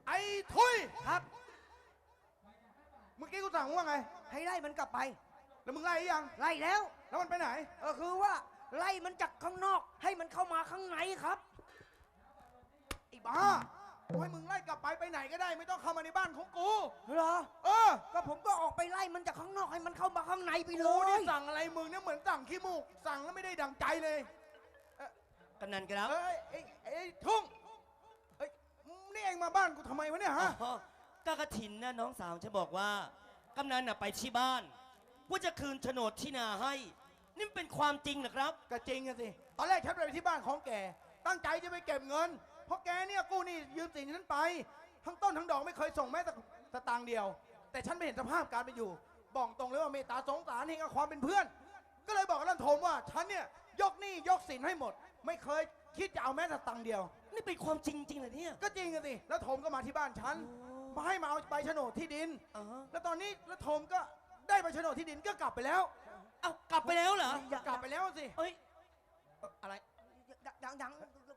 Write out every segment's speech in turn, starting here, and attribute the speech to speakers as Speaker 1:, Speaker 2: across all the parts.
Speaker 1: ไอ้ทุย
Speaker 2: ครับ
Speaker 1: เมื่อกี้กูสั่งว่าไง
Speaker 2: ให้ไล่มันกลับไป
Speaker 1: แล้วมึงไล่ยัง
Speaker 2: ไล่แล้ว
Speaker 1: แล้วมันไปไหน
Speaker 2: คือว่าไล่มันจากข้างนอกให้มันเข้ามาข้างในครับ
Speaker 1: ไอ้บ้ากูให้มึงไล่กลับไปไหนก็ได้ไม่ต้องเข้ามาในบ้านของกู
Speaker 2: เหรอก็ผมก็ออกไปไล่มันจากข้างนอกให้มันเข้ามาข้างในไปเลย
Speaker 1: นี่สั่งอะไรมึงเนี่ยเหมือนสั่งขี้มูกสั่งแล้วไม่ได้ดั่งใจเลย
Speaker 3: กำนันครับ
Speaker 1: ไอ้ทุ่งนี่เองมาบ้านกูทำไมวะเนี่ยฮะ
Speaker 3: ก็กระถินนะน้องสาวฉันบอกว่ากำนันน่ะไปที่บ้านว่าจะคืนโฉนดที่นาให้นี่เป็นความจริงเหรอครับ
Speaker 1: ก็จริงสิตอนแรกฉันไปที่บ้านของแกตั้งใจจะไปเก็บเงินเพราะแกเนี่ยกู้นี่ยืมสินฉันไปทั้งต้นทั้งดอกไม่เคยส่งแม้แต่สตางค์เดียวแต่ฉันไม่เห็นสภาพการไปอยู่บอกตรงเลยว่าเมตตาสงสารเห็นกับความเป็นเพื่อนก็เลยบอกกับลันโทมว่าฉันเนี่ยยกหนี้ยกสินให้หมดไม่เคยคิดจะเอาแม้แต่ตังค์เดียว
Speaker 3: นี่เป็นความจริงจริงเหรอเนี่ย
Speaker 1: ก็จริงสิแล้วโทมก็มาที่บ้านฉันมาให้มาเอาใบโฉนดที่ดินแล้วตอนนี้แล้วโทมก็ได้ใบโฉนดที่ดินก็กลับไปแล้ว
Speaker 3: เอากลับไปแล้วเหร
Speaker 1: อกลับไปแล้วสิ
Speaker 3: เฮ้ยอะไร
Speaker 2: ยัง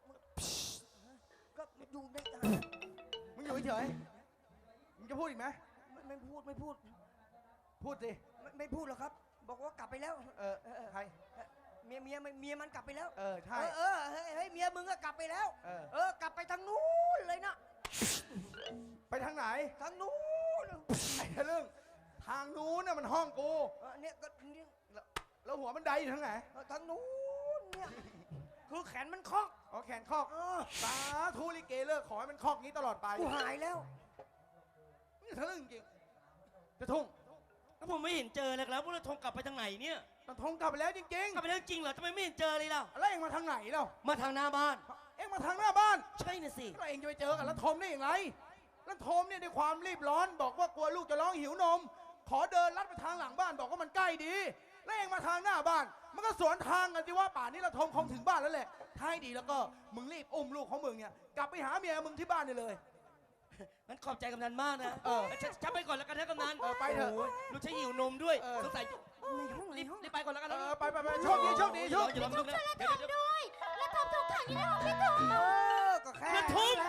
Speaker 2: ก็อยู่ใน
Speaker 1: มึงอยู่เฉยมึงจะพูดอีกไหม
Speaker 2: ไม่พูด
Speaker 1: พูดสิ
Speaker 2: ไม่พูดหรอกครับบอกว่ากลับไปแล้ว
Speaker 1: ใคร
Speaker 2: เมียมันกลับไปแล้ว
Speaker 1: ใช่
Speaker 2: เฮ้ยเมียมึงก็กลับไปแล้วกลับไปทางนู้นเลยนะ
Speaker 1: ไปทางไหน
Speaker 2: ทางนู้น
Speaker 1: ไอ้เรื่องทางนู้นน่ะมันห้องกู
Speaker 2: เนี่ยก็นี่
Speaker 1: แล้วหัวมันไดอยู่ทางไหน
Speaker 2: ทางนู้นเนี่ยคือแขนมันคอก
Speaker 1: แขนคอกสาธุลิเกเลิกขอให้มันคอกนี้ตลอดไป
Speaker 2: กูหายแล้ว
Speaker 1: นี่ทะลึ่งจริงจะทุ่ง
Speaker 3: แล้วผมไม่เห็นเจอเลยครับว่าเราทงกลับไปทางไหนเนี่ย
Speaker 1: มันทงกลับไปแล้วจริงๆ
Speaker 3: กลับไปแล้วจริงเหรอทำไมไม่เห็นเจอเลยล่ะ
Speaker 1: แล้วเองมาทางไหนเล่า
Speaker 3: มาทางหน้าบ้าน
Speaker 1: เองมาทางหน้าบ้าน
Speaker 3: ใช่น่ะสิ
Speaker 1: แล้วเองจะไปเจอกับลันทมได้อย่างไรลันทมเนี่ยด้วยความรีบร้อนบอกว่ากลัวลูกจะร้องหิวนมขอเดินลัดไปทางหลังบ้านบอกว่ามันใกล้ดีแล้วเองมาทางหน้าบ้านมันก็สวนทางกันสิว่าป่านนี้ลันทมคงถึงบ้านแล้วแหละท้ายดีแล้วก็มึงรีบอุ้มลูกของมึงเนี่ยกลับไปหาเมียมึงที่บ้านเลย
Speaker 3: งั้นขอบใจกำนันมากนะฉันไปก่อนแล้วกันนะกำนัน
Speaker 1: ไปเถอะ
Speaker 3: ลูกใช้หิวนมด้วยสงสัยรีบไปก่อนแล้วกัน
Speaker 1: ไปโชคดีโชคดีโชคดี
Speaker 3: อย่าลืมนะ
Speaker 4: เดี๋ยวด้วยแล้วทำทุกขังอยู่ในห้องพี่ตุ้ม
Speaker 1: ก็แค่กระทุ้ง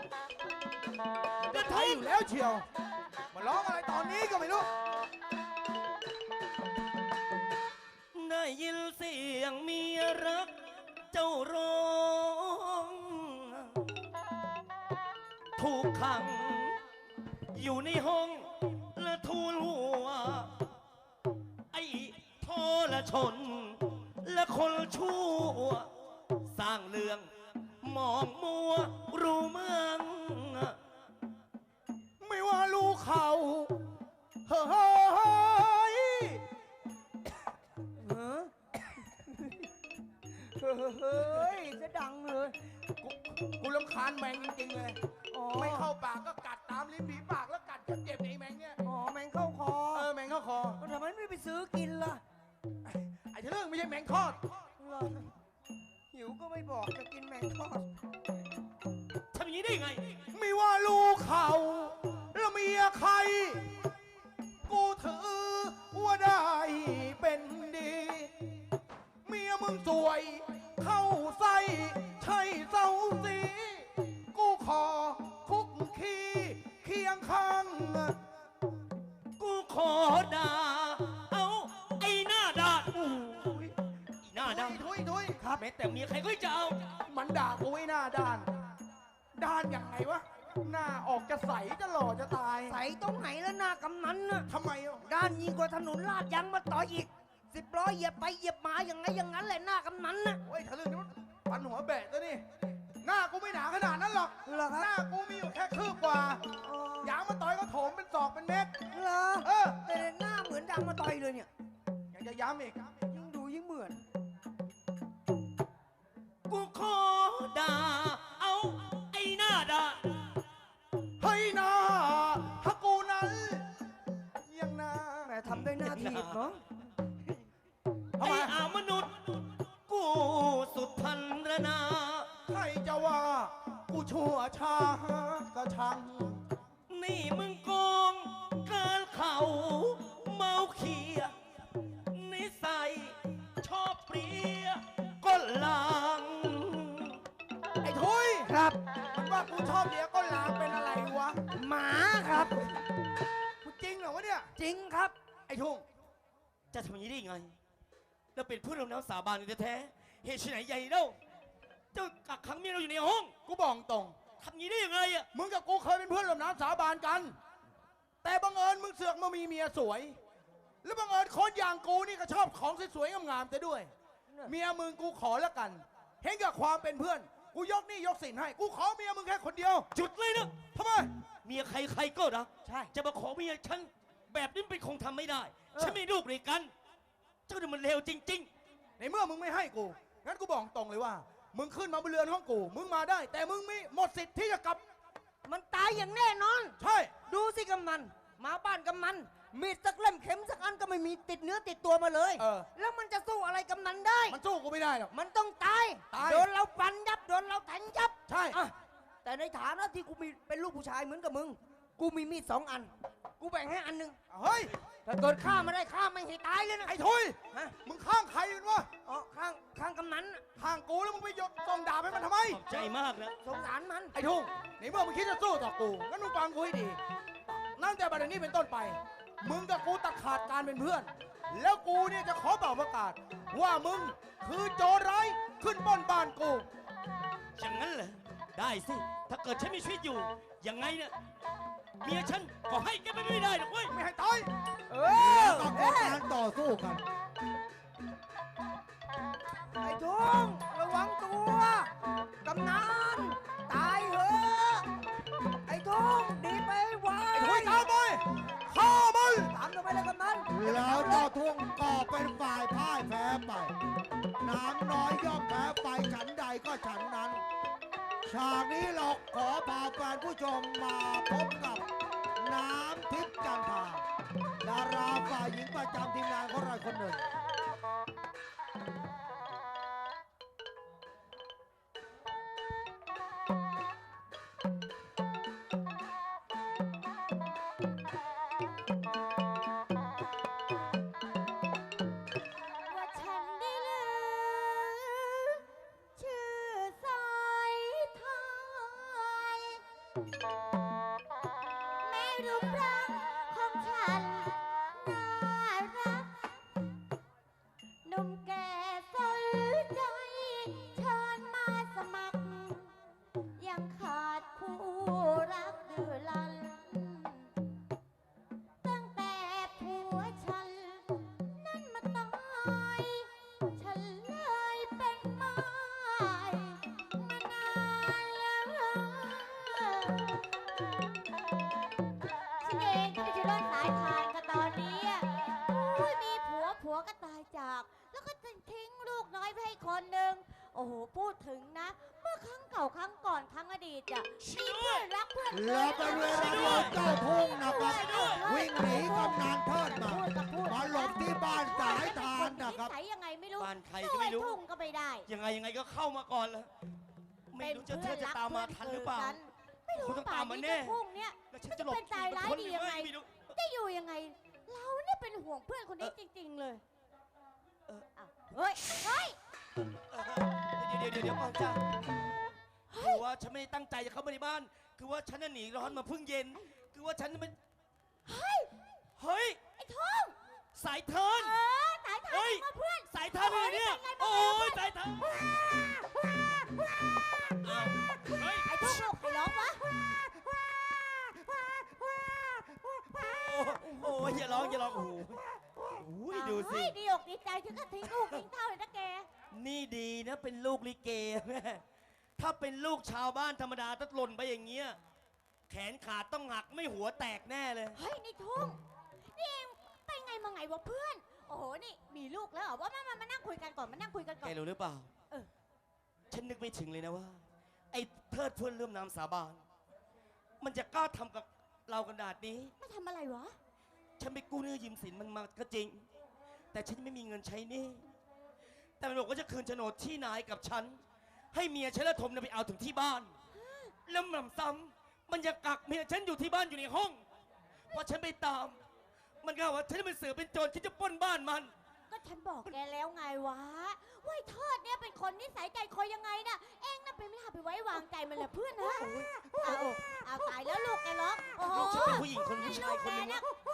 Speaker 1: อยู่แล้วเชียวมาร้องอะไรตอนนี้ก็ไม่รู้
Speaker 3: ได้ยินเสียงเมียรักเจ้าร้องถูกขังอยู่ในห้องและทูลหัวไอ้ทรชนและคนชั่วสร้างเรื่องมองมัวรู้เมือง
Speaker 1: ไม่ว่าลูกเขาเฮ้ย
Speaker 2: จะดังเลย
Speaker 1: กูรำคาญแมงจริงๆเลยไม่เข้าปากก็กัดตามลิ้นผีปากแล้วกัดจนเจ็บไอ้แมงเนี่ย
Speaker 2: แมงเข้าคอ
Speaker 1: แมงเข้าคอ
Speaker 2: ทำไมไม่ไปซื้อกินล่ะ
Speaker 1: ไอ้เรื่องไม่ใช่แมงทอด
Speaker 2: หิวก็ไม่บอกจะกินแมงทอด
Speaker 3: ทำอย่างนี้ได้ไง
Speaker 1: ไม่ว่าลูกเขาแล้วเมียใครกูถือว่าได้เป็นดีเมียมึงสวยเข้าใส่ใช่เศร้าสีกูขอคุกคีเคียงข้าง
Speaker 3: กูขอด่าเอาไอ้หน้าด่าไอ้หน้าด่า
Speaker 1: ทุย
Speaker 3: ครับแม้แต่เมียใครก็จะเอา
Speaker 1: มันด่ากูไอ้หน้าด้านยังไงวะหน้าออกจะใสจะหล่อจะตาย
Speaker 2: ใสตรงไหนแล้วหน้ากำนันน่ะ
Speaker 1: ทำไม
Speaker 2: ด้านยิ่งกว่าถนนลาดยางมาต่ออีก10 ล้อเหยียบไปเหยียบมาอย่างนั้นแหละหน้ากำนันน่ะ
Speaker 1: โอ้ยทะลึ่งนี่มันปันหัวแบะตัวนี่หน้ากูไม่หนาขนาดนั้นหรอกหน้ากูมีอยู่แค่คืบกว่ายางมาต่อยก็โถมเป็นศอกเป็นเม็ด
Speaker 2: เหรอแต่หน้าเหมือนยางมาต่อยเลยเนี่ย
Speaker 1: อยากจะย้ำอีก
Speaker 2: ยิ่งดูยิ่งเหมือน
Speaker 3: กูขอด่าเอาไอ้หน้าด่า
Speaker 1: เฮ้ยหน้าถ้ากูนั้นยังหน้า
Speaker 2: แม่ทำได้หน้าทีบเนาะ
Speaker 3: ไอ้มนุษย์กูสุดพันรนา
Speaker 1: ใครจะว่ากูชั่วช้าก็ช่าง
Speaker 3: นี่มึงโกงเกินเขาเมาเขียนิสัยชอบเปรียก็ลาง
Speaker 1: ไอ้ทุย
Speaker 2: ครับ
Speaker 1: มันว่ากูชอบเดียก็ลางเป็นอะไรวะ
Speaker 2: จริงครับ
Speaker 1: ไอ้ทุ่ง
Speaker 3: จะทำอย่างนี้ได้ยังไงเราเป็นเพื่อนร่วมน้ำสาบานกันแท้ๆเหตุไฉนใหญ่เล่าเจ้ากักขังเมียเราอยู่ในห้อง
Speaker 1: กูบอกตรง
Speaker 3: ทำอย่างนี้ได้ยังไงอะ
Speaker 1: มึงกับกูเคยเป็นเพื่อนร่วมน้ำสาบานกัน แต่บังเอิญมึงเสือกมามีเมียสวย แล้วบังเอิญคนอย่างกูนี่ก็ชอบของสวยๆงามๆแต่ด้วย เมียมึงกูขอแล้วกัน เห็นกับความเป็นเพื่อน กูยกหนี่ยกสินให้ กูขอเมียมึงแค่คนเดียว
Speaker 3: จุดเลยนะ
Speaker 1: ทำไม
Speaker 3: เมียใครๆก็รัก
Speaker 2: ใช่
Speaker 3: จะมาขอเมียฉันแบบนี้เป็นคงทำไม่ได้
Speaker 2: เออ
Speaker 3: ฉันมีลูกด้วยกัน เจ้าเนี่ยมันเลวจริง
Speaker 1: ในเมื่อมึงไม่ให้กู งั้นกูบอกตรงเลยว่า มึงขึ้นมาบนเรือนห้องกู มึงมาได้ แต่มึงมีหมดสิทธิ์ที่จะกลับ
Speaker 2: มันตายอย่างแน่นอน
Speaker 1: ใช่
Speaker 2: ดูสิกำนันมาบ้านกำนันมีดสักเล่มเข็มสักอันก็ไม่มีติดเนื้อติดตัวมาเลย
Speaker 1: เออ
Speaker 2: แล้วมันจะสู้อะไรกำนันได้
Speaker 1: มันสู้กูไม่ได้หรอก
Speaker 2: มันต้องตาย
Speaker 1: ตาย
Speaker 2: โดนเราฟันยับโดนเราแทงยับ
Speaker 1: ใช่
Speaker 2: อ่ะแต่ในฐานะที่กูมีเป็นลูกผู้ชายเหมือนกับมึง กูมีมีด2 อัน กูแบ่งให้อันหนึง
Speaker 1: เฮ้ย
Speaker 2: ถ้าเกิดฆ่าไม่ได้ฆ่าไม่ให้ตายเลยนะ
Speaker 1: ไอ้ทุย
Speaker 2: ฮะ
Speaker 1: มึงข้างใครกันวะ
Speaker 2: อ๋อข้างกำนันน่ะ
Speaker 1: ข้างกูแล้วมึงไปยกส่งดาบให้มันทำไม
Speaker 3: ๆ ขอบใจมากนะ
Speaker 2: สงสารมัน
Speaker 1: ไอ้ทุ่งในเมื่อมึงคิดจะสู้ต่อกู งั้นมึงฟังกูให้ดี ตั้งแต่บัดนี้เป็นต้นไป มึงกับกูตัดขาดการเป็นเพื่อน แล้วกูเนี่ยจะขอเป่าประกาศ ว่ามึงคือโจรร้ายขึ้นปล้นบ้านกู
Speaker 3: อย่างนั้นเหรอ ได้สิ ถ้าเกิดฉันมีชีวิตอยู่ ยังไงเนี่ย เมียฉันก็ให้แกไปไม่ได้หรอกเว้ย
Speaker 1: ไม่ให้ตาย
Speaker 2: เอ
Speaker 5: แล้วก็เกิดการต่อสู้กัน
Speaker 2: ไอ้ทุ่งระวังตัวกำนันตายเหอะไอ้ทุ่งดีไปไว
Speaker 1: ไอ้ทุยตามไปฆ่ามัน
Speaker 2: ตามทำไมเลยกำนัน
Speaker 5: แล้วเจ้าทุ่งก็เป็นฝ่ายพ่ายแพ้ไป น้ำน้อยย่อมแพ้ไปฉันใดก็ฉันนั้น ฉากนี้เราขอพาแฟนผู้ชมมาพบกับน้ำทิพย์จันทราดาราฝ่ายหญิงประจำทีมงานของเราคนหนึ่ง
Speaker 4: ว่าฉันได้ลือชื่อสายทานแม้รูปร่างของฉันน่ารักหนุ่มแก่สนใจเชิญมาสมัคร ยังขาดคู่รักดื้อรั้น ตั้งแต่ผัวฉัน นั่นมาตาย ฉันเลยเป็นไม้มานานแล้วฉันเองก็ไม่ใช่รอดสายทานก็ตอนนี้อะอุ้ยมีผัวก็ตายจาก แล้วก็ทิ้งลูกน้อยไปให้คนหนึ่งโอ้โห พูดถึงนะ เมื่อครั้งเก่าครั้งก่อนครั้งอดีตอะมีเพื่อนรักเพื่อน
Speaker 5: แล้วเป็นเวลาที่เจ้าทุ่งนะครับวิ่งหนีกำนันเทิดมา มาหลบที่บ้านสายทานนะครับ
Speaker 4: ใส่ยังไงไม่รู้
Speaker 3: บ้านใครก็ไม่รู้
Speaker 4: สู้อ้ทุ่งก็ไม่ได้
Speaker 3: ยังไงก็เข้ามาก่อนแล้ว ไม่รู้จะเธอจะตามมาทันหรือเปล่า
Speaker 4: ไม่รู้
Speaker 3: คงต้อง
Speaker 4: ป่า
Speaker 3: ตาน มมา
Speaker 4: นี้
Speaker 3: แน่
Speaker 4: เจ้าทุ่งเนี่ย
Speaker 3: แล้วฉันจะหลบ
Speaker 4: เป็นตายร้ายดียังไง
Speaker 3: ไม่รู้
Speaker 4: จะอยู่ยังไง เราเนี่ยเป็นห่วงเพื่อนคนนี้จริง ๆ เลย
Speaker 3: เออ
Speaker 4: อ้าวเฮ้ย เฮ้ย
Speaker 3: เดี๋ยวก่อนจ้าคือว่าฉันไม่ได้ตั้งใจจะเข้ามาในบ้าน คือว่าฉันน่ะหนีร้อนมาเพิ่งเย็น คือว่าฉันน่ะมัน
Speaker 4: เฮ้ย
Speaker 3: เฮ้ย
Speaker 4: ไอ้ทุ่ง
Speaker 3: สายเทิร์น
Speaker 4: สายทาน
Speaker 3: เฮ้ย
Speaker 4: มาเพื่อน
Speaker 3: สายเทิร์นเลยเนี่ย
Speaker 4: โอ้
Speaker 3: โอ้
Speaker 4: ย
Speaker 3: ยสายเทิร์นอ้าวเฮ้ย
Speaker 4: ไอ้ทุ่งลูกใครร้องวะ
Speaker 3: โอ้ยอย่าร้องโอ้โหอุ้ยดูสิ
Speaker 4: เฮ้ยดีอกดีใจถึงกับทิ้งลูกทิ้งเท่าเลยนะแก
Speaker 3: นี่ดีนะเป็นลูกลิเกแม่ถ้าเป็นลูกชาวบ้านธรรมดาถ้าหล่นไปอย่างเงี้ย แขนขาดต้องหักไม่หัวแตกแน่เลย
Speaker 4: เฮ้ยนี่ทุ่งนี่เองไปไงมาไงวะเพื่อน โอ้โห นี่มีลูกแล้วเหรอว่ามานั่งคุยกันก่อนมานั่งคุยกันก่อ
Speaker 3: แก
Speaker 4: น
Speaker 3: รู้หรือเปล่า
Speaker 4: เออ
Speaker 3: ฉันนึกไม่ถึงเลยนะว่า ไอ้เทิดเพื่อนเริ่มน้ำสาบาน มันจะกล้าทำกับเราขนาดนี้
Speaker 4: มาทำอะไรวะ
Speaker 3: ฉันไปกู้หนี้ยืมสินมันมาก็จริง แต่ฉันไม่มีเงินใช้หนี้แต่มันบอกว่าจะคืนโฉนดที่นายกับฉัน ให้เมียฉันและทมเนี่ยไปเอาถึงที่บ้าน แล้วหนำซ้ำมันยังกักเมียฉันอยู่ที่บ้านอยู่ในห้องพอฉันไปตาม มันก็ว่าฉันเป็นเสือเป็นโจรฉันจะปล้นบ้านมัน
Speaker 4: ก็ฉันบอกแกแล้วไงวะว่าไอ้เทิดเนี่ยเป็นคนนิสัยใจคอยยังไงน่ะ เองน่ะไปไม่น่าไปไว้วางใจมันเลยเพื่อนนะเอาตายแล้วลูกแกร้องโอ้โห
Speaker 3: ลูกฉันเป็นผู้หญิงคนผู้ชายคนหนึ่ง
Speaker 4: ลูกแก
Speaker 3: นะ
Speaker 4: เยรุ่นราว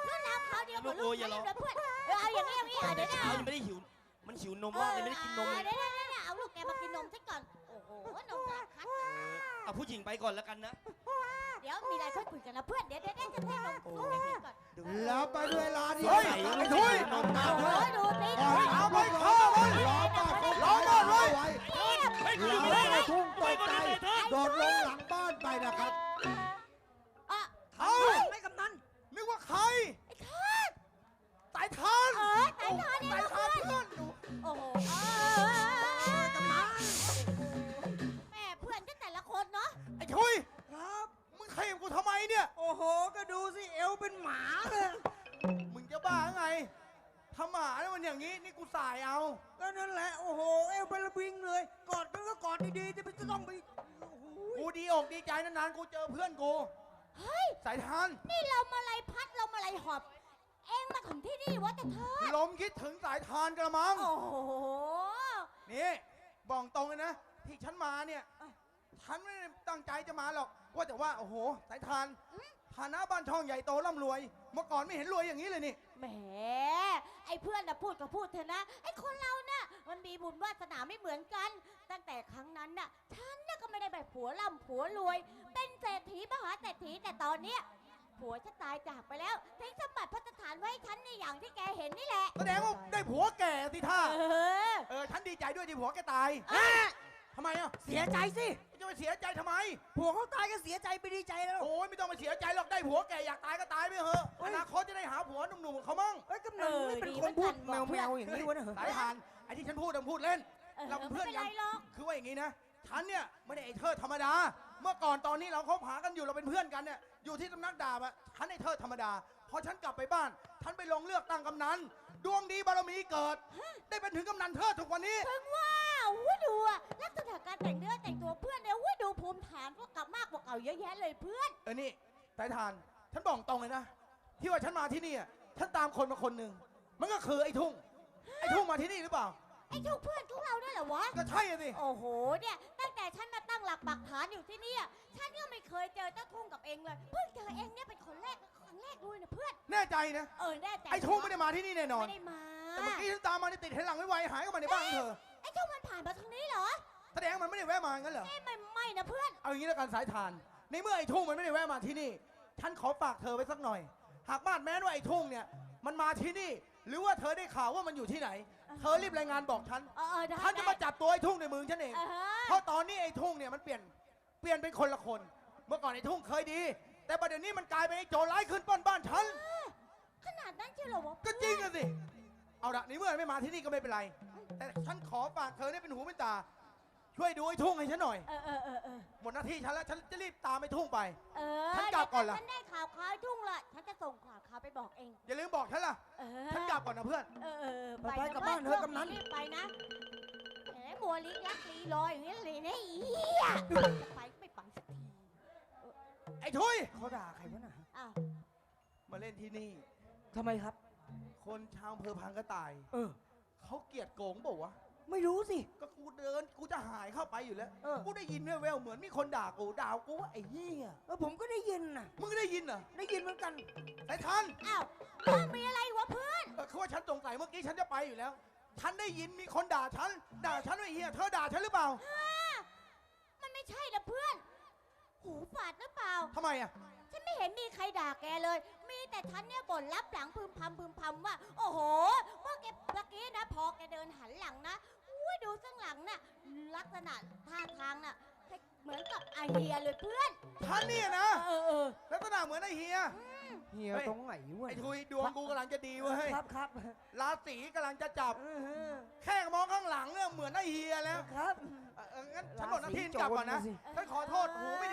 Speaker 4: คราวเดียวกับ
Speaker 3: ลู
Speaker 4: ลู
Speaker 3: ก
Speaker 4: ก
Speaker 3: อย่าร้อง
Speaker 4: เดี๋ยวเพื่อนเอาอย่างนี้เดี๋ยว
Speaker 3: เช้า
Speaker 4: นะ
Speaker 3: ยังไม่ได้หิว มันหิวนมมากเลยไม่ได้กินนมเลย
Speaker 4: เดี๋ยวเอาลูกแกมากินนมซะก่อน โอ้โห นมกระคัด
Speaker 3: เอาผู้หญิงไปก่อนแล้วกันนะ
Speaker 4: เดี๋ยวมีอะไรค่อยคุยกันนะเพื่อน เดี๋ยวจะให้นมลูกแกกินก่อน
Speaker 5: แล้วไปด้วยเวลาเดียว
Speaker 1: เฮ้ย
Speaker 5: กัน
Speaker 1: ไอ้ทุย
Speaker 3: นมตา
Speaker 4: โอ้ยดูสิ
Speaker 5: ก่อน
Speaker 1: เอาไป
Speaker 5: ร
Speaker 1: เข้าไป
Speaker 5: รอป้าเขา
Speaker 1: รอก่อนเว้ย
Speaker 5: ไว้
Speaker 3: เฮ้ย
Speaker 5: แล้วไอ้ทุ่งตกใจโดดลงหลังบ้านไปนะครับ
Speaker 4: อ่ะ
Speaker 1: เอา
Speaker 2: ไม่กำนัน
Speaker 1: นึกว่าใคร
Speaker 4: ไอ้ทาส
Speaker 1: สายทาน
Speaker 4: สายทานเนี่ย
Speaker 1: สาย
Speaker 4: นะ
Speaker 1: ทาน
Speaker 4: เพื่อน
Speaker 1: เพื่อนดู
Speaker 4: โอ้โห
Speaker 2: กำนัน
Speaker 4: แม่เพื่อนก็แต่ละคนเนาะ
Speaker 1: ไอ้ทุย
Speaker 2: ครับ
Speaker 1: มึงขยับกูทำไมเนี่ย
Speaker 2: โอ้โห ก็ดูสิเอวเป็นหมาเลย
Speaker 1: มึงจะบ้าไงทำหมาแล้วมันอย่างนี้ นี่กูสายเอา
Speaker 2: ก็นั่นแหละ โอ้โห เอวเป็นระบิงเลย กอดมันก็กอดดีๆจะไปจะต้องไปโอ้โห
Speaker 1: กูดีอกดีใจนานๆกูเจอเพื่อนกู
Speaker 4: เฮ้ย
Speaker 1: สายทาน
Speaker 4: นี่เรามาลัยพัดเรามาลัยหอบ เองมาถึงที่นี่วะแต่เธอ
Speaker 1: ลมคิดถึงสายทานกระมัง
Speaker 4: โอ้โห
Speaker 1: นี่บอกตรงเลยนะ ที่ฉันมาเนี่ยฉันไม่ได้ตั้งใจจะมาหรอก ว่าแต่ว่าโอ้โห สายทานฐานะบ้านช่องใหญ่โตร่ำรวย เมื่อก่อนไม่เห็นรวยอย่างนี้เลยนี่
Speaker 4: แหม ไอ้เพื่อนน่ะพูดก็พูดเถอะนะ ไอ้คนเราน่ะมันมีบุญวาสนาไม่เหมือนกัน ตั้งแต่ครั้งนั้นน่ะฉันน่ะก็ไม่ได้แบบผัวร่ำผัวรวย เป็นเศรษฐีมหาเศรษฐีแต่ตอนเนี้ยผัวฉันตายจากไปแล้วทิ้งสมบัติพัฒฐานไว้ให้ฉันในอย่างที่แกเห็นนี่แหละ
Speaker 1: แสดงว่าได้ผัวแก่สิท่า
Speaker 4: เออ
Speaker 1: ฉันดีใจด้วยที่ผัวแกตาย ทำไมอ่ะ
Speaker 2: เสียใจสิ
Speaker 1: จะไปเสียใจทำไม
Speaker 2: ผัวเขาตายก็เสียใจไปดีใจแล้ว
Speaker 1: โอ้ยไม่ต้องมาเสียใจหรอก ได้ผัวแก่อยากตายก็ตายไปเถอะ
Speaker 2: เฮ้
Speaker 1: อย นาคตจะได้หาผัวหนุ่มๆเขามั่ง
Speaker 2: เอ้ยกำนันไม่เป็นคนพูดแมวๆอย่างนี้วะเนี่ย
Speaker 1: สายทานไอ้ที่ฉันพูดพูดเล่น เราเป็นเพื่อน
Speaker 4: ไม่
Speaker 1: กั
Speaker 4: เป็น นไรหรอก
Speaker 1: คือว่าอย่างนี้นะ ฉันเนี่ยไม่ได้ไอ้เธอธรรมดา เมื่อก่อนตอนนี้เราคบหากันอยู่เราเป็นเพื่อนกันเนี่ย อยู่ที่สำนักดาบอะฉันไอ้เธอธรรมดา พอฉันกลับไปบ้าน ฉันไปลงเลือกตั้งกำนัน ดวงดีบารมีเกิด ได้เป็นถึงกำนันเธอทุกวันนี้
Speaker 4: ถึงว่าอุ้ยดูอะลักษณะการแต่งเนื้อแต่งตัวเพื่อนเนี่ยอุ้ยดูภูมิฐานก็กลับมากกว่าเก่าเยอะแยะเลยเพื่อน
Speaker 1: นี่สายทาน ฉันบอกตรงเลยนะ ที่ว่าฉันมาที่นี่อะฉันตามคนมาคนหนึ่ง มันก็คือไอ้ทุ่ง ไอ้ทุ่งมาที่นี่หรือเปล่า
Speaker 4: ไอ้ทุกเพื่อนของเราเนี่ยเหรอวะ
Speaker 1: ก็ใช่อะสิ
Speaker 4: โอ้โห เนี่ย ตั้งแต่ฉันมาตั้งหลักปักฐานอยู่ที่เนี่ยฉันก็ไม่เคยเจอเจ้าทุ่งกับเองเลย เพิ่งเจอเองเนี่ยเป็นคนแรกครั้งแรกด้วยนะเพื่อน
Speaker 1: แน่ใจนะ
Speaker 4: แน่ใจ
Speaker 1: ไอ้ทุ่งไม่ได้มาที่นี่แน่นอน
Speaker 4: ไม่ได้มา
Speaker 1: แต่เมื่อกี้ฉันตามมานี่ติดเห็นหลังไวๆหายเข้ามาในบ้านเธอ
Speaker 4: ไอ้ทุ่งมันผ่านมาทางนี้เหรอ
Speaker 1: แสดงมันไม่ได้แวะมางั้นเหรอ
Speaker 4: ไม่นะเพื่อน
Speaker 1: เอาอย่างนี้แล้วกันสายทาน ในเมื่อไอ้ทุ่งมันไม่ได้แวะมาที่นี่ ฉันขอฝากเธอไว้สักหน่อย หากบ้านแม้ว่าไอ้ทุ่งเนี่ย มันมาที่นี่ หรือว่าเธอได้ข่าวว่ามันอยู่ที่ไหน เธอรีบรายงานบอกฉัน
Speaker 4: ได้
Speaker 1: ฉันจะมาจับตัวไอ้ทุ่งในมือฉันเอง
Speaker 4: เออ
Speaker 1: เพราะตอนนี้ไอ้ทุ่งเนี่ยมันเปลี่ยนเป็นคนละคน เมื่อก่อนไอ้ทุ่งเคยดี แต่ประเดี๋ยวนี้มันกลายเป็นไอ้โจรร้ายขึ้นปล้นบ้านฉัน
Speaker 4: ขนาดนั้นเชียวเหรอวะ
Speaker 1: ก็จริงอะสิ เอาละในเมื่อไม่มาที่นี่ก็ไม่เป็นไร แต่ฉันขอฝากเธอเนี่ยเป็นหูเป็นตา ช่วยดูไอ้ทุ่งให้ฉันหน่อย
Speaker 4: เออ
Speaker 1: หมดหน้าที่ฉันแล้ว ฉันจะรีบตามไอ้ทุ่งไป
Speaker 4: ฉั
Speaker 1: ฉันกลับก่อนล่ะ
Speaker 4: ฉันได้ข่าวไอ้ทุ่งละฉันจะส่งข่าวไปบอกเอง
Speaker 1: อย่าลืมบอกฉันล่ะ ฉันกลับก่อนนะเพื่อน
Speaker 2: ไปกลับบ้านเถอะกำนัน
Speaker 4: รีบไปนะแหมมัวลิกลักลีลอยอย่างนี้เลยนะอีเหี้ยไปก็ไม่ไปสักที
Speaker 1: ไอ้ทุย
Speaker 2: เขาด่าใครวะน่ะ
Speaker 4: อ้าว
Speaker 1: มาเล่นที่นี่
Speaker 2: ทำไมครับ
Speaker 1: คนชาวอำเภอพังกระต่าย
Speaker 2: เออ
Speaker 1: เขาเกลียดโกงเปล่าวะ
Speaker 2: ไม่รู้สิ
Speaker 1: ก็กูเดิน กูจะหายเข้าไปอยู่แล้ว
Speaker 2: เออ
Speaker 1: กูได้ยินแววๆเหมือนมีคนด่ากูว่าไอ้เหี้ย
Speaker 2: ผมก็ได้ยินน่ะ
Speaker 1: มึงได้ยินเหรอ
Speaker 2: ได้ยินเหมือนกัน
Speaker 1: สายทัน
Speaker 4: อ้าวมีอะไรวะเพื่อน
Speaker 1: คือว่าฉันสงสัยเมื่อกี้ฉันจะไปอยู่แล้ว ฉันได้ยินมีคนด่าฉันว่าไอ้เหี้ย เธอด่าฉันหรือเปล่า
Speaker 4: มันไม่ใช่นะเพื่อน หูฝาดหรือเปล่า
Speaker 1: ทำไมอ่ะ
Speaker 4: ฉันไม่เห็นมีใครด่าแกเลย มีแต่ฉันเนี่ยบ่นรับหลังพึมพำว่า โอ้โห เมื่อกี้นะ พอแกเดินหันหลังนะอุ้ยดูข้างหลังน่ะ ลักษณะท่าทางน่ะ เหมือนกับอาเฮียเลยเพื่อน
Speaker 1: ฉันเนี่ยนะ
Speaker 4: เออ
Speaker 1: ลักษณะเหมือนไอ้เฮีย
Speaker 2: เฮีย
Speaker 1: เฮ้ย
Speaker 2: ตรงไหนวะ
Speaker 1: ไอ้ทุยดวงกูกำลังจะดีเว้ย
Speaker 2: ครับครับ
Speaker 1: ราศีกำลังจะจับ
Speaker 2: เออ
Speaker 1: แค่มองข้างหลังเนี่ยเหมือนไอ้เฮียแล้ว
Speaker 2: ครับ
Speaker 1: งั้นฉันหมดหน้าที่กลับก่อนนะ
Speaker 2: ราศีโจรนะสิ
Speaker 1: ฉันขอโทษหูไม่ดี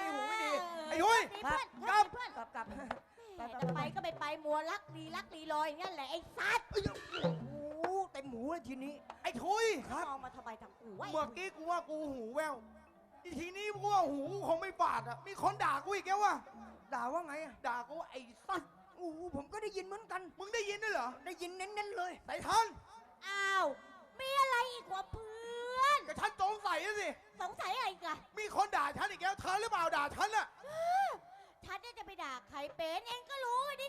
Speaker 1: ไอ้ทุย
Speaker 4: เพื่อน
Speaker 1: กลับ
Speaker 4: เพื่อน
Speaker 2: กลับกลับ
Speaker 4: แหมจะไปก็ไม่ไปมัวลักลีลอยอย่างนั้นแหละไอ้สัตว์
Speaker 2: โอ้โหเต็มหมูเลยทีนี้
Speaker 1: ไอ้ทุย
Speaker 4: มองมาทำไมทางกูวะ
Speaker 1: เมื่อกี้กูว่ากูหูแววอีทีนี้กูว่าหูคงไม่บาดอ่ะ มีคนด่ากูอีกแล้วว่ะ
Speaker 2: ด่าว่าไงอะ
Speaker 1: ด่ากูว่าไอ้สัตว์
Speaker 2: โอ้โหผมก็ได้ยินเหมือนกัน
Speaker 1: มึงได้ยินด้วยเหรอ
Speaker 2: ได้ยินเน้นๆเลย
Speaker 1: สายทัน
Speaker 4: อ้าว มีอะไรอีกวะเพื่อน
Speaker 1: ก็ฉันสงสัยอะสิ
Speaker 4: สงสัยอะไรอีกัน
Speaker 1: มีคนด่าฉันอีกแล้วเธอหรือเปล่าด่าฉันอะ
Speaker 4: ฉันเนี่ยจะไปด่าใครเป็นเองก็รู้นิ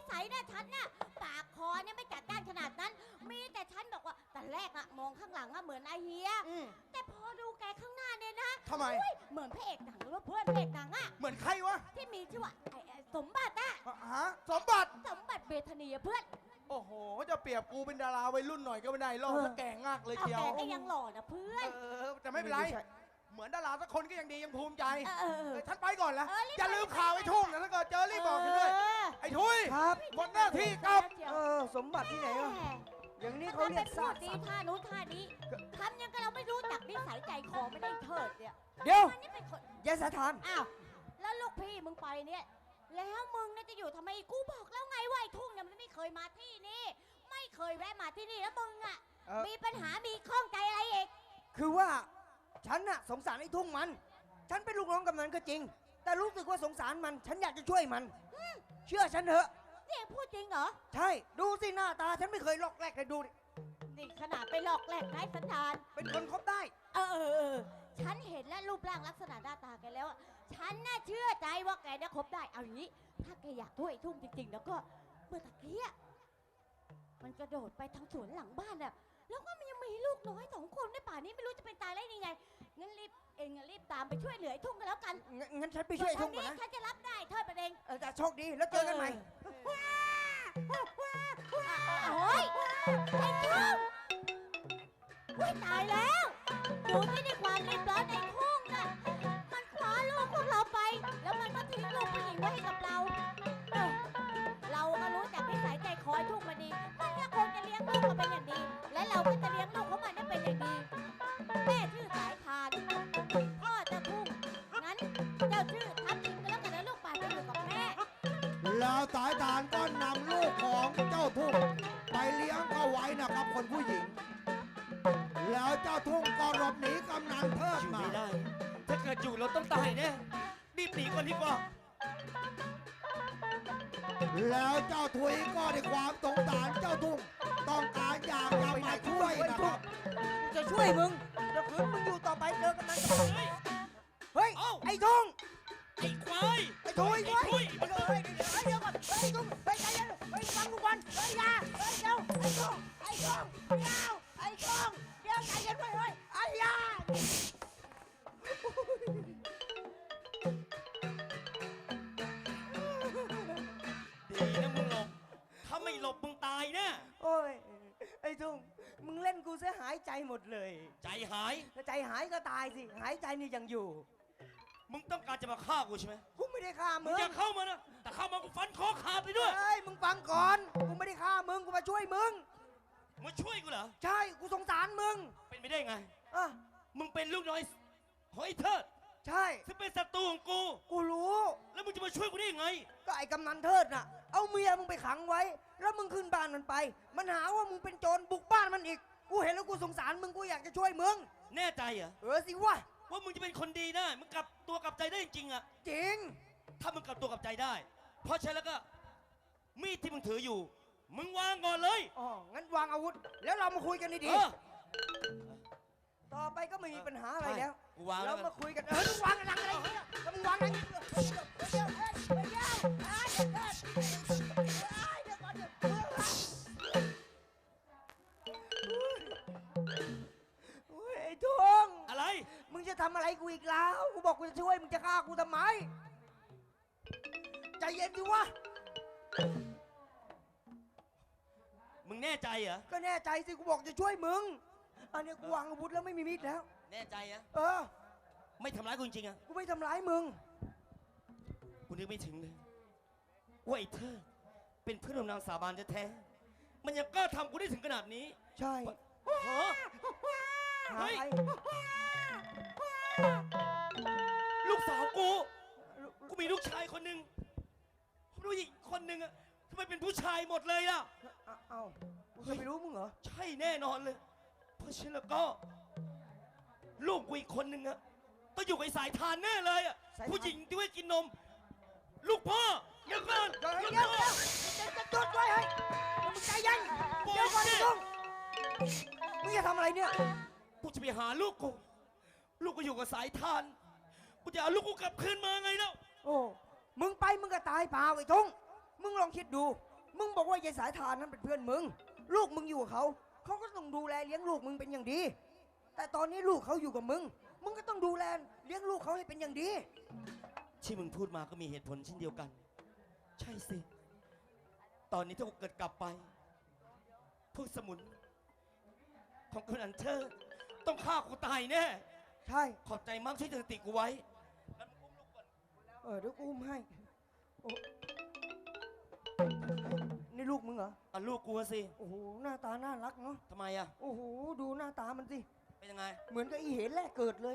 Speaker 4: สัยเนี่ยฉันน่ะปากคอเนี่ยไม่จัดจ้านขนาดนั้น มีแต่ฉันบอกว่าแต่แรกอะมองข้างหลังอะเหมือนไอเฮีย
Speaker 1: อืม
Speaker 4: แต่พอดูแกข้างหน้าเนี่ยนะ
Speaker 1: ทำไม
Speaker 4: อุ๊ยเหมือนพระเอกหนังหรือว่าเพื่อนพระเอกหนังอะ
Speaker 1: เหมือนใครวะ
Speaker 4: ที่มีชื่อว่าไอ้สมบัติอะ
Speaker 1: ฮะสมบัติ
Speaker 4: สมบัติเบธานีอะเพื่อน
Speaker 1: โอ้โห จะเปรียบกูเป็นดาราวัยรุ่นหน่อยก็ไม่ได้หรอกถ้าแก่งากเลย
Speaker 4: เอา
Speaker 1: เชียว
Speaker 4: แกก็ยังหล่อนะเพื่อน
Speaker 1: แต่ไม่เป็นไร เหมือนดาราสักคนก็ยังดียังภูมิใจ
Speaker 4: เออ
Speaker 1: ฉันไปก่อนละ
Speaker 4: รีบ
Speaker 1: อย่าลืมข่าวไอ้ทุ่งนะถ้าเกิดเจอรีบบอกฉันด้วย ไอ้ทุย
Speaker 2: ครับ
Speaker 1: หมดหน้าที่กลับ
Speaker 2: สมบัติที่ไหนวะอย่างนี้เขา
Speaker 4: เขา
Speaker 2: เรี
Speaker 4: เรี
Speaker 2: ย
Speaker 4: ย
Speaker 2: ก
Speaker 4: ก
Speaker 2: ซา
Speaker 4: พู
Speaker 2: ก
Speaker 4: ดดีท่านู้นท่านี้ทำยังกับเราไม่รู้จักนิสัยใจคอไม่ได้เถิดเนี่ย
Speaker 2: เดี๋ยว
Speaker 4: มันนี่เป็นคน
Speaker 2: ยายสถาน
Speaker 4: อ้าวแล้วลูกพี่มึงไปเนี่ย แล้วมึงเนี่ยจะอยู่ทำไมกูบอกแล้วไงว่าไอ้ทุ่งเนี่ยมันไม่เคยมาที่นี่ ไม่เคยแวะมาที่นี่แล้วมึงอ่ะ
Speaker 2: เอ่อ
Speaker 4: มีปัญหามีข้องใจอะไรอีก
Speaker 2: คือว่าฉันน่ะสงสารไอ้ทุ่งมัน ฉันเป็นลูกน้องกำนันก็จริง แต่รู้สึกว่าสงสารมัน ฉันอยากจะช่วยมัน เชื่อฉันเถอะ
Speaker 4: นี่พูดจริงเหรอ
Speaker 2: ใช่ ดูสิหน้าตา ฉันไม่เคยลอกแรกเลยดูดิ
Speaker 4: นี่ขนาดไปหลอกแหลกไร้สันดาน
Speaker 2: เป็นคนคบได้
Speaker 4: ฉันเห็นและรูปร่างลักษณะหน้าตาแกแล้วอะฉันน่าเชื่อใจว่าแกเนี่ยคบได้ เอาอย่างนี้ ถ้าแกอยากด้วยไอ้ทุ่งจริงๆ แล้วก็เมื่อตะกี้อะมันกระโดดไปทางสวนหลังบ้านอะแล้วก็มันยังมีลูกน้อย2 คนในป่านี้ไม่รู้จะเป็นตายได้ยังไง งั้นรีบตามไปช่วยเหลือไอ้ทุ่งกันแล้วกัน
Speaker 2: งั้นฉันไปช่วยไอ้ทุ่งก่อน
Speaker 4: ส่ว
Speaker 2: นะ
Speaker 4: ฉันจะรับได้เทิดประเด็น
Speaker 2: แต่โชคดีแล้วเจอกันใหม่
Speaker 4: โอ้ยไอ้ทุ่งอุ้ยตายแล้วดูที่ในความรีบร้อนไอ้ทุ่งน่ะมันคว้าลูกพวกเราไป แล้วมันก็ทิ้งลูกผู้หญิงไว้ให้กับเราเราก็รู้จักนิสัยใจคอยทุ่งมาดี มันก็คงจะเลี้ยงลูกมาเป็นอย่างดี และเราก็จะเลี้ยงลูกของมันได้เป็นอย่างดี แม่ชื่อสายทาน พ่อจะทุ่ง งั้นเจ้าชื่อทับทิมกันแล้วกันนะลูกป่าจะอยู่กับแม่
Speaker 5: แล้วสายทานก็นำลูกของเจ้าทุ่งไปเลี้ยงเข้าไว้นะครับคนผู้หญิง แล้วเจ้าทุ่งก็หลบหนีกำนันเทิด
Speaker 3: อยู่
Speaker 5: มา
Speaker 3: ไม่ได้ ถ้าเกิดอยู่เราต้องตายแน่รีบหนีก่อนดีกว่า
Speaker 5: แล้วเจ้าทุยก็ด้วยความสงสารเจ้าทุ่งต้องการอยากจะมาช่วยนะครับ
Speaker 2: จะช่วยมึงเดี๋ยวคืนมึงอยู่ต่อไปเจอกันมันกับ
Speaker 3: เฮ้ย
Speaker 2: เฮ้ย
Speaker 3: เอ้า
Speaker 2: ไอ้ทุ่ง
Speaker 3: ไอ้ควาย
Speaker 2: ไอ้ทุย
Speaker 3: ไอ้ทุย
Speaker 2: เดี๋ยวก่อนเฮ้ยทุ่งเฮ้ยใจเย็นเฮ้ยฟังกูก่อนเฮ้ยอยาเฮ้ยเดี๋ยวไอ้ทุ่งเดี๋ยวไอ้ทุ่งเดี๋ยวใจเย็นไว้เฮ้ยไอ้ยา
Speaker 3: ดีนะมึงหลบ ถ้าไม่หลบมึงตายแน่
Speaker 2: โอ้ยไอ้ทุ่งมึงเล่นกูเสียหายใจหมดเลย
Speaker 3: ใจหาย
Speaker 2: ถ้าใจหายก็ตายสิหายใจนี่ยังอยู่
Speaker 3: มึงต้องการจะมาฆ่ากูใช่ไหม
Speaker 2: กูไม่ได้ฆ่า
Speaker 3: มึ
Speaker 2: มึ
Speaker 3: ง
Speaker 2: ง
Speaker 3: อย่าเข้ามานะ แต่เข้ามากูฟันคอขาดไปด้วย
Speaker 2: เฮ้ยมึงฟังก่อนกูไม่ได้ฆ่ามึงกูมาช่วยมึง
Speaker 3: มาช่วยกูเหรอ
Speaker 2: ใช่กูสงสารมึง
Speaker 3: เป็นไปได้ไง
Speaker 2: อ่ะ
Speaker 3: มึงเป็นลูกน้อยหอยเทิด
Speaker 2: ใช่
Speaker 3: ซึ่งเป็นศัตรูของกู
Speaker 2: กูรู้
Speaker 3: แล้วมึงจะมาช่วยกูได้ยังไง
Speaker 2: ก็ไอ้กำนันเทิดน่ะ เอาเมียมึงไปขังไว้ แล้วมึงขึ้นบ้านมันไป มันหาว่ามึงเป็นโจรบุกบ้านมันอีก กูเห็นแล้วกูสงสารมึงกูอยากจะช่วยมึง
Speaker 3: แน่ใจเหรอ
Speaker 2: สิวะ
Speaker 3: ว่ามึงจะเป็นคนดีได้มึงกลับตัวกลับใจได้จริงๆอะ
Speaker 2: จริง
Speaker 3: ถ้ามึงกลับตัวกลับใจได้ เพราะฉะนั้นแล้วก็ มีดที่มึงถืออยู่ มึงวางก่อนเลย
Speaker 2: อ๋อ งั้นวางอาวุธ แล้วเรามาคุยกันดี
Speaker 3: เออ
Speaker 2: ๆต่อไปก็ไม่มีปัญหาอะไรแล้ว
Speaker 3: กูวางแล้
Speaker 2: เรา
Speaker 3: วกัน
Speaker 2: มาคุยกันมึงวางอะไรเนี่ยแล้วมึงวางอะไรเนี่ยโอ้ยไอ้ทง
Speaker 3: อะไร
Speaker 2: มึงจะทำอะไรกูอีกแล้ว กูบอกกูจะช่วย มึงจะฆ่ากูทำไม ใจเย็นดิวะ
Speaker 3: มึงแน่ใจเหรอ
Speaker 2: ก็แน่ใจสิ กูบอกจะช่วยมึง อันนี้กูวางอาวุธแล้วไม่มีมีดแล้ว
Speaker 3: แน่ใจเหรอ
Speaker 2: เออ
Speaker 3: ไม่ทำร้ายกูจริงๆอะ
Speaker 2: กูไม่ทำร้ายมึง
Speaker 3: กูนึกไม่ถึงเลยว่าไอ้เธอเป็นเพื่อนร่วมนางสาบานแท้ๆมันยังกล้าทำกูได้ถึงขนาดนี้
Speaker 2: ใช่
Speaker 3: ฮะ
Speaker 2: หา
Speaker 3: เฮ้ย
Speaker 2: ใคร
Speaker 3: ลูกสาวกู กูมีลูกชายคนหนึ่งผู้หญิงคนหนึ่งอะทำไมเป็นผู้ชายหมดเลยล่ะ
Speaker 2: เอ้ากูจะไปรู้มึงเหรอ
Speaker 3: ใช่แน่นอนเลย เพราะฉะนั้นแล้วก็ ลูกกูอีกคนหนึ่งอะต้องอยู่กับไอ้สายทานแน่เลยอะ
Speaker 2: สายทาน
Speaker 3: ผู้หญิงที่ไว้กินนม ลูกพ่อเดี๋ยวก่อน
Speaker 2: เดี๋ยว
Speaker 3: ลูก
Speaker 2: เดี๋ยว
Speaker 3: พ่อ
Speaker 2: จะจุดไว้เฮ้ยมึงใจเย็นเดี๋ยวก่อนไอ้ทงมึงจะทำอะไรเนี่ย
Speaker 3: กูจะไปหาลูกกู ลูกกูอยู่กับสายทาน กูจะเอาลูกกูกลับคืนมาไงแล้ว
Speaker 2: โอ้ มึงไปมึงก็ตายเปล่าไอ้ทงมึงลองคิดดูมึงบอกว่ายายสายทานนั้นเป็นเพื่อนมึง ลูกมึงอยู่กับเขา เขาก็ต้องดูแลเลี้ยงลูกมึงเป็นอย่างดี แต่ตอนนี้ลูกเขาอยู่กับมึง มึงก็ต้องดูแลเลี้ยงลูกเขาให้เป็นอย่างดี
Speaker 3: ที่มึงพูดมาก็มีเหตุผลเช่นเดียวกัน ใช่สิ ตอนนี้ถ้ากูเกิดกลับไป พวกสมุนของกำนันเธอต้องฆ่ากูตายแน่
Speaker 2: ใช่
Speaker 3: ขอบใจมากที่เตือนสติกูไว้
Speaker 2: เดี๋ยวกูอุ้มให้โอ้นี่ลูกมึงเหรอ
Speaker 3: อ่ะลูกกูอะสิ
Speaker 2: โอ้โห หน้าตาน่ารักเนาะ
Speaker 3: ทำไมอ่ะ
Speaker 2: โอ้โห ดูหน้าตามันสิ
Speaker 3: เป็นยังไง
Speaker 2: เหมือนกับอีเหนแรกเกิดเลย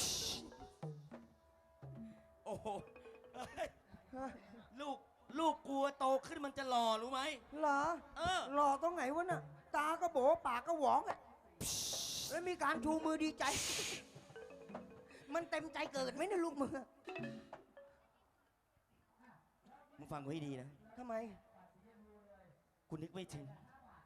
Speaker 3: โอ้โหเฮ้ย
Speaker 2: ฮะ
Speaker 3: ลูกกูโตขึ้นมันจะหล่อรู้ไหม
Speaker 2: เหรอ
Speaker 3: เออ
Speaker 2: หล่อตรงไหนวะน่ะ ตาก็โบปากก็หวองอะแล้วมีการชูมือดีใจ มันเต็มใจเกิดไหมเนี่ยลูกมึงอะ
Speaker 3: มึงฟังกูให้ดีนะ
Speaker 2: ทำไม
Speaker 3: กูนึกไม่ถึง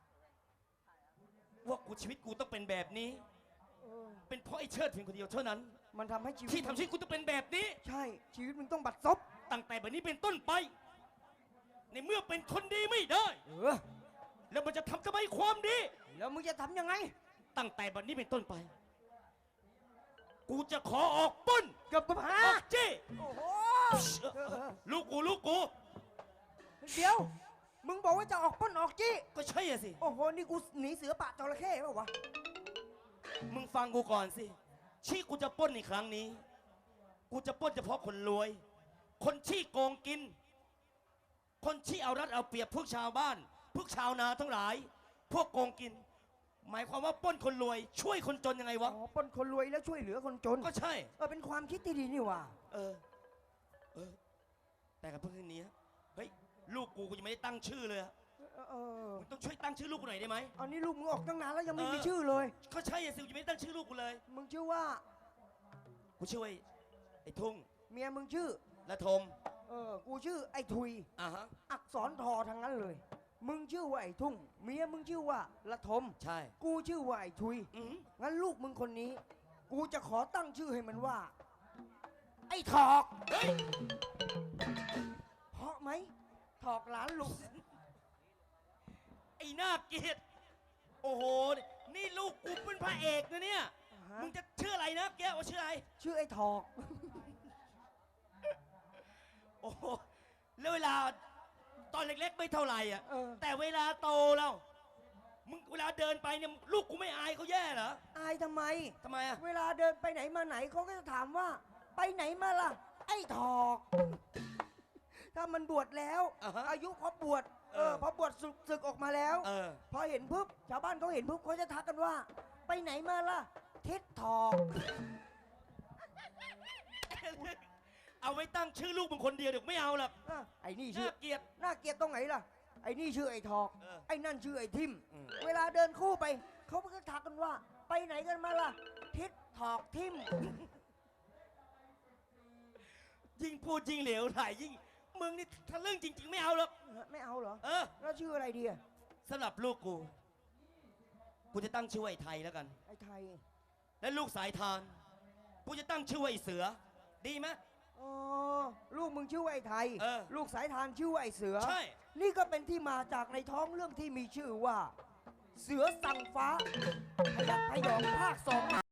Speaker 3: ว่าชีวิตกูต้องเป็นแบบนี้
Speaker 2: เออ
Speaker 3: เป็นเพราะไอ้เชิดเพียงคนเดียวเท่านั้น
Speaker 2: มันทำให้ชีวิต
Speaker 3: ที่ทำชีวิตกูต้องเป็นแบบนี้
Speaker 2: ใช่ ชีวิตมึงต้องบัดซบ
Speaker 3: ตั้งแต่แบบนี้เป็นต้นไป ในเมื่อเป็นคนดีไม่ได้
Speaker 2: เออ
Speaker 3: แล้วมันจะทำทำไมความดี
Speaker 2: แล้วมึงจะทำยังไง
Speaker 3: ตั้งแต่แบบนี้เป็นต้นไป กูจะขอออกปล้น
Speaker 2: เกับหา
Speaker 3: ออกจี้
Speaker 2: โอ้โห
Speaker 3: ลูกกู
Speaker 2: เดี๋ยว มึงบอกว่าจะออกปล้นออกจี้
Speaker 3: ก็ใช่อะสิ
Speaker 2: โอ้โห นี่กูหนีเสือป่าจระเข้เปล่าวะ
Speaker 3: มึงฟังกูก่อนสิที่กูจะปล้นในครั้งนี้ กูจะปล้นเฉพาะคนรวย คนที่โกงกิน คนที่เอารัดเอาเปรียบพวกชาวบ้าน พวกชาวนาทั้งหลาย พวกโกงกิน หมายความว่าปล้นคนรวย ช่วยคนจนยังไงวะ
Speaker 2: อ๋อปล้นคนรวยแล้วช่วยเหลือคนจน
Speaker 3: ก็ใช่
Speaker 2: เป็นความคิดที่ดีนี่หว่า
Speaker 3: เออ แต่กับเพื่อนนี้เฮ้ย ลูกกูยังไม่ได้ตั้งชื่อเลยอะ
Speaker 2: เออ
Speaker 3: มึงต้องช่วยตั้งชื่อลูกกูหน่อยได้ไหม
Speaker 2: อันนี้ลูกมึงออกตั้งนานแล้วยังไม่
Speaker 3: เออ
Speaker 2: มีชื่อเลย
Speaker 3: ก็ใช่อะสิยังไม่ได้ตั้งชื่อลูกกูเลย
Speaker 2: มึงชื่อว่า
Speaker 3: กูชื่อไอ้ทุ่ง
Speaker 2: เมียมึงชื่อ
Speaker 3: และทม
Speaker 2: กูชื่อไอ้ทุย
Speaker 3: อ่ะฮะ
Speaker 2: อักษรทอทั้งนั้นเลย มึงชื่อว่าไอ้ทุ่ง เมียมึงชื่อว่าละทม
Speaker 3: ใช่
Speaker 2: กูชื่อว่าไอ้ทุย
Speaker 3: อืม
Speaker 2: งั้นลูกมึงคนนี้ กูจะขอตั้งชื่อให้มันว่า ไอ้ถอก
Speaker 3: เฮ้ย
Speaker 2: เพราะไหม ถอกหลานลุง
Speaker 3: ไอ้หน้าเกลียดโอ้โห นี่ลูกกูเป็นพระเอกนะเนี่ย มึงจะชื่ออะไรนะแกว่าชื่ออะไร
Speaker 2: ชื่อไอ้ถอก
Speaker 3: โอ้โห แล้วเวลาตอนเล็กๆไม่เท่าไหร่อ่ะ
Speaker 2: เออ
Speaker 3: แต่เวลาโตแล้ว มึงเวลาเดินไปเนี่ยลูกกูไม่อายเขาแย่เหรอ
Speaker 2: อายทำไม
Speaker 3: ทำไมอ่ะ
Speaker 2: เวลาเดินไปไหนมาไหนเขาก็จะถามว่า ไปไหนมาล่ะ ไอ้ถอก ถ้ามันบวชแล้ว
Speaker 3: อ่าฮะ
Speaker 2: อายุครบบวช พอบวชศึกออกมาแล้ว
Speaker 3: เออ
Speaker 2: พอเห็นปุ๊บชาวบ้านเขาเห็นปุ๊บเขาจะทักกันว่า ไปไหนมาล่ะ ทิศถอก
Speaker 3: เอาไว้ตั้งชื่อลูกมึงคนเดียวเดี๋ยวไม่เอาหรอก
Speaker 2: ไอ้นี่ชื่
Speaker 3: น่า
Speaker 2: อ
Speaker 3: เกลียด
Speaker 2: น่าเกลียดตรงไหนล่ะ ไอ้นี่ชื่อไอ้ถอก
Speaker 3: เออ
Speaker 2: ไอ้นั่นชื่อไอ้ทิม
Speaker 3: อืม
Speaker 2: เวลาเดินคู่ไป เขาก็ทักกันว่า ไปไหนกันมาล่ะ ทิศถอกทิม
Speaker 3: ยิ่งพูดยิ่งเหลวไหลยิ่ง มึงนี่ถ้าเรื่องจริง ๆ ไม่เอาหรอก
Speaker 2: ไม่เอาเหรอ
Speaker 3: เออ
Speaker 2: แล้วชื่ออะไรดีอะ
Speaker 3: สำหรับลูกกู กูจะตั้งชื่อว่าไอ้ไทยแล้วกัน
Speaker 2: ไอ้ไทย
Speaker 3: และลูกสายทาน กูจะตั้งชื่อว่าไอ้เสือ ดีไหม
Speaker 2: อ๋อ ลูกมึงชื่อว่าไอ้ไทย
Speaker 3: เออ
Speaker 2: ลูกสายทานชื่อว่าไอ้เสือ
Speaker 3: ใช่
Speaker 2: นี่ก็เป็นที่มาจากในท้องเรื่องที่มีชื่อว่า เสือสั่งฟ้าพยัคฆ์พยองภาคสอง